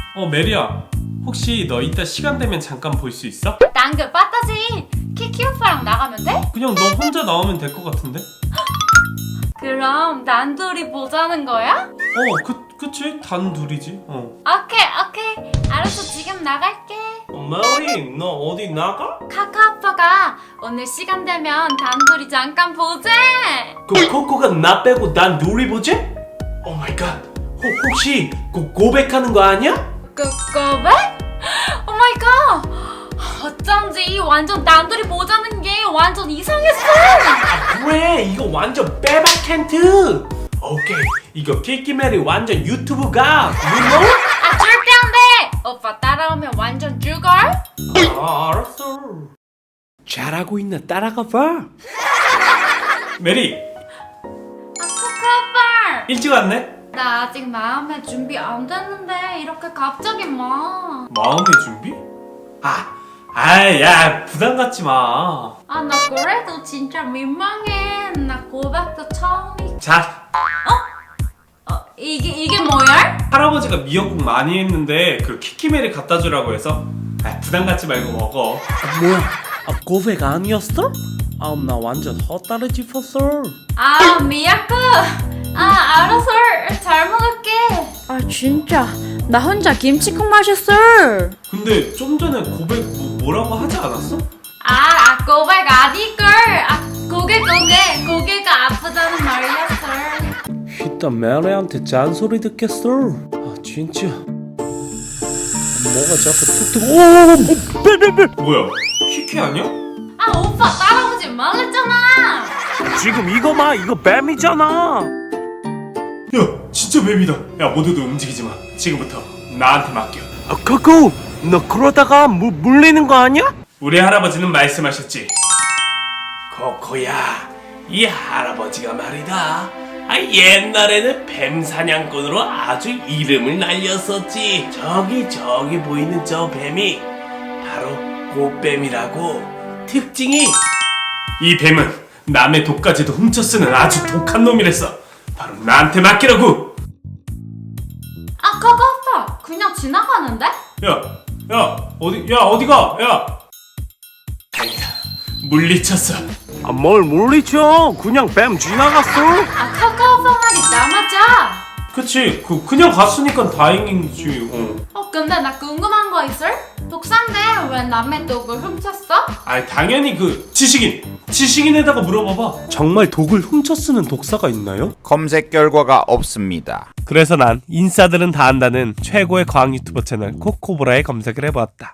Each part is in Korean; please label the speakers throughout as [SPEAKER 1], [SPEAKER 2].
[SPEAKER 1] 메리야, 혹시 너 이따 시간 되면 잠깐 볼 수 있어?
[SPEAKER 2] 난그 빠따지. 키키 오빠랑 나가면 돼?
[SPEAKER 1] 그냥 너 혼자 나오면 될 것 같은데?
[SPEAKER 2] 그럼 단둘이 보자는 거야?
[SPEAKER 1] 그치? 단둘이지.
[SPEAKER 2] 오케이. 알았어, 지금 나갈게.
[SPEAKER 1] 메리, 너 어디 나가?
[SPEAKER 2] 카카 오빠가 오늘 시간 되면 단둘이 잠깐 보재.
[SPEAKER 1] 코코가 나 빼고 난 둘이 보지? 오 마이 갓. 혹시 고백하는 거 아니야?
[SPEAKER 2] 고백? 오 마이 갓. 어쩐지 완전 단둘이 보자는 게 완전 이상했어.
[SPEAKER 1] 그래, 이거 완전 빼박 캔트. 오케이, 이거 키키메리 완전 유튜브가 you know?
[SPEAKER 2] 절대 안 돼. 오빠 따라오면 완전 죽어.
[SPEAKER 1] 알았어. 잘하고 있나 따라가 봐. 메리,
[SPEAKER 2] 카카 오빠.
[SPEAKER 1] 일찍 왔네?
[SPEAKER 2] 나 아직 마음의 준비 안 됐는데 이렇게 갑자기 뭐.
[SPEAKER 1] 마음의 준비? 야, 부담 갖지 마.
[SPEAKER 2] 나 그래도 진짜 민망해. 나 고백도 처음이고.
[SPEAKER 1] 자,
[SPEAKER 2] 이게 뭐야?
[SPEAKER 1] 할아버지가 미역국 많이 했는데 그 키키메리 갖다 주라고 해서 부담 갖지 말고 먹어.
[SPEAKER 3] 뭐야? 고백 아니었어? 나 완전 헛다리 짚었어.
[SPEAKER 2] 미역국. 알았어. 잘 먹을게.
[SPEAKER 4] 진짜 나 혼자 김치국 마셨어.
[SPEAKER 1] 근데 좀 전에 고백 뭐라고 하지 않았어?
[SPEAKER 2] 고백 아니걸. 고개가 아프다는 말이었어.
[SPEAKER 3] 이따 메리한테 잔소리 듣겠어. 진짜 뭐가 자꾸 툭툭.
[SPEAKER 1] 뭐야, 키키 아니야?
[SPEAKER 2] 오빠 따라오지 말랬잖아.
[SPEAKER 3] 지금 이거 봐, 이거 뱀이잖아.
[SPEAKER 1] 야, 진짜 뱀이다. 야, 모두들 움직이지 마. 지금부터 나한테 맡겨.
[SPEAKER 3] 코코, 너 그러다가 물리는 거 아니야?
[SPEAKER 1] 우리 할아버지는 말씀하셨지. 코코야, 이 할아버지가 말이다. 옛날에는 뱀 사냥꾼으로 아주 이름을 날렸었지. 저기 보이는 저 뱀이 바로 꽃뱀이라고. 특징이 이 뱀은 남의 독까지도 훔쳐 쓰는 아주 독한 놈이랬어. 바로 나한테 맡기라고.
[SPEAKER 2] 카카 오빠 그냥 지나가는데?
[SPEAKER 1] 어디가? 다행이다. 물리쳤어.
[SPEAKER 3] 뭘 물리쳐? 그냥 뱀 지나갔어.
[SPEAKER 2] 카카 오빠 말이 나 맞아.
[SPEAKER 1] 그치, 그냥 갔으니까 다행이지.
[SPEAKER 2] 근데 나 궁금한 거 있어? 독사인데 왜 남의 독을 훔쳤어?
[SPEAKER 1] 당연히 지식인에다가 물어봐봐.
[SPEAKER 3] 정말 독을 훔쳐 쓰는 독사가 있나요?
[SPEAKER 5] 검색 결과가 없습니다.
[SPEAKER 3] 그래서 난 인싸들은 다 안다는 최고의 과학 유튜버 채널 코코보라에 검색을 해보았다.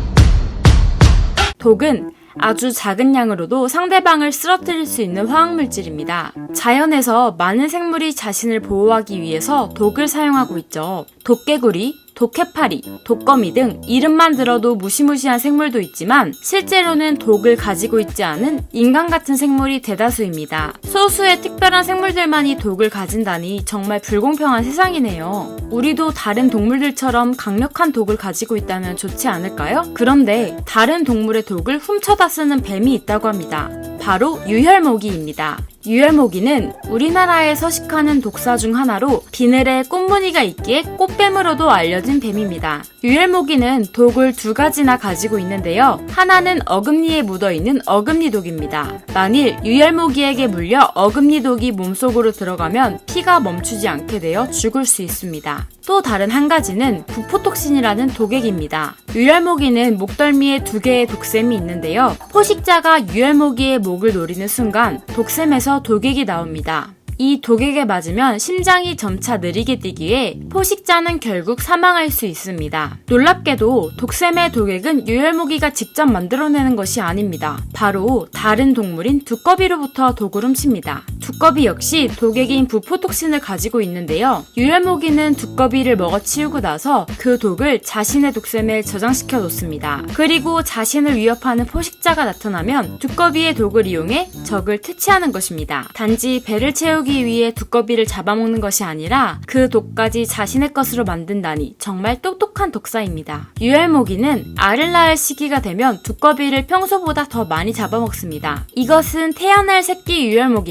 [SPEAKER 4] 독은 아주 작은 양으로도 상대방을 쓰러뜨릴 수 있는 화학물질입니다. 자연에서 많은 생물이 자신을 보호하기 위해서 독을 사용하고 있죠. 독개구리, 독해파리, 독거미 등 이름만 들어도 무시무시한 생물도 있지만 실제로는 독을 가지고 있지 않은 인간 같은 생물이 대다수입니다. 소수의 특별한 생물들만이 독을 가진다니 정말 불공평한 세상이네요. 우리도 다른 동물들처럼 강력한 독을 가지고 있다면 좋지 않을까요? 그런데 다른 동물의 독을 훔쳐다 쓰는 뱀이 있다고 합니다. 바로 유혈모기입니다. 유혈모기는 우리나라에 서식하는 독사 중 하나로 비늘에 꽃무늬가 있기에 꽃뱀으로도 알려진 뱀입니다. 유혈모기는 독을 두 가지나 가지고 있는데요. 하나는 어금니에 묻어있는 어금니독입니다. 만일 유혈모기에게 물려 어금니독이 몸속으로 들어가면 피가 멈추지 않게 되어 죽을 수 있습니다. 또 다른 한 가지는 부포톡신이라는 독액입니다. 유혈모기는 목덜미에 두 개의 독샘이 있는데요. 포식자가 유혈모기의 목을 노리는 순간 독샘에서 독액이 나옵니다. 이 독액에 맞으면 심장이 점차 느리게 뛰기에 포식자는 결국 사망할 수 있습니다. 놀랍게도 독샘의 독액은 유혈모기가 직접 만들어내는 것이 아닙니다. 바로 다른 동물인 두꺼비로부터 독을 훔칩니다. 두꺼비 역시 독액인 부포톡신을 가지고 있는데요. 유혈모기는 두꺼비를 먹어치우고 나서 그 독을 자신의 독샘에 저장시켜 놓습니다. 그리고 자신을 위협하는 포식자가 나타나면 두꺼비의 독을 이용해 적을 퇴치하는 것입니다. 단지 배를 채우기 위해 두꺼비를 잡아먹는 것이 아니라 그 독까지 자신의 것으로 만든다니 정말 똑똑한 독사입니다. 유혈모기는 알을 낳을 시기가 되면 두꺼비를 평소보다 더 많이 잡아먹습니다. 이것은 태어날 새끼 유혈모기가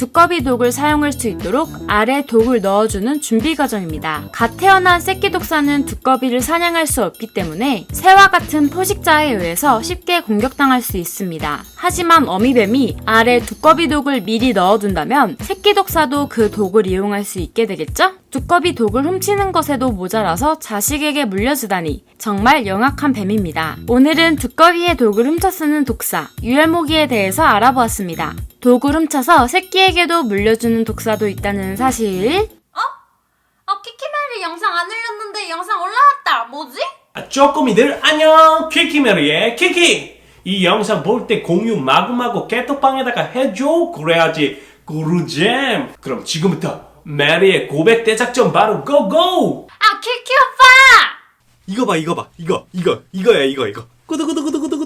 [SPEAKER 4] 두꺼비 독을 사용할 수 있도록 알에 독을 넣어주는 준비 과정입니다. 갓 태어난 새끼 독사는 두꺼비를 사냥할 수 없기 때문에 새와 같은 포식자에 의해서 쉽게 공격당할 수 있습니다. 하지만 어미뱀이 알에 두꺼비 독을 미리 넣어둔다면 새끼 독사도 그 독을 이용할 수 있게 되겠죠? 두꺼비 독을 훔치는 것에도 모자라서 자식에게 물려주다니 정말 영악한 뱀입니다. 오늘은 두꺼비의 독을 훔쳐 쓰는 독사, 유혈모기에 대해서 알아보았습니다. 독을 훔쳐서 새끼에게도 물려주는 독사도 있다는 사실.
[SPEAKER 2] 키키메리 영상 안 올렸는데 영상 올라왔다. 뭐지?
[SPEAKER 1] 쪼꼬미들 안녕. 키키메리의 키키. 이 영상 볼 때 공유 마구마구 깨톡방에다가 해줘. 그래야지 꿀잼. 그럼 지금부터 메리의 고백 대작전 바로 고고.
[SPEAKER 2] 키키 오빠!
[SPEAKER 1] 이거 봐 이거야 이거. 구두구두구두구두구.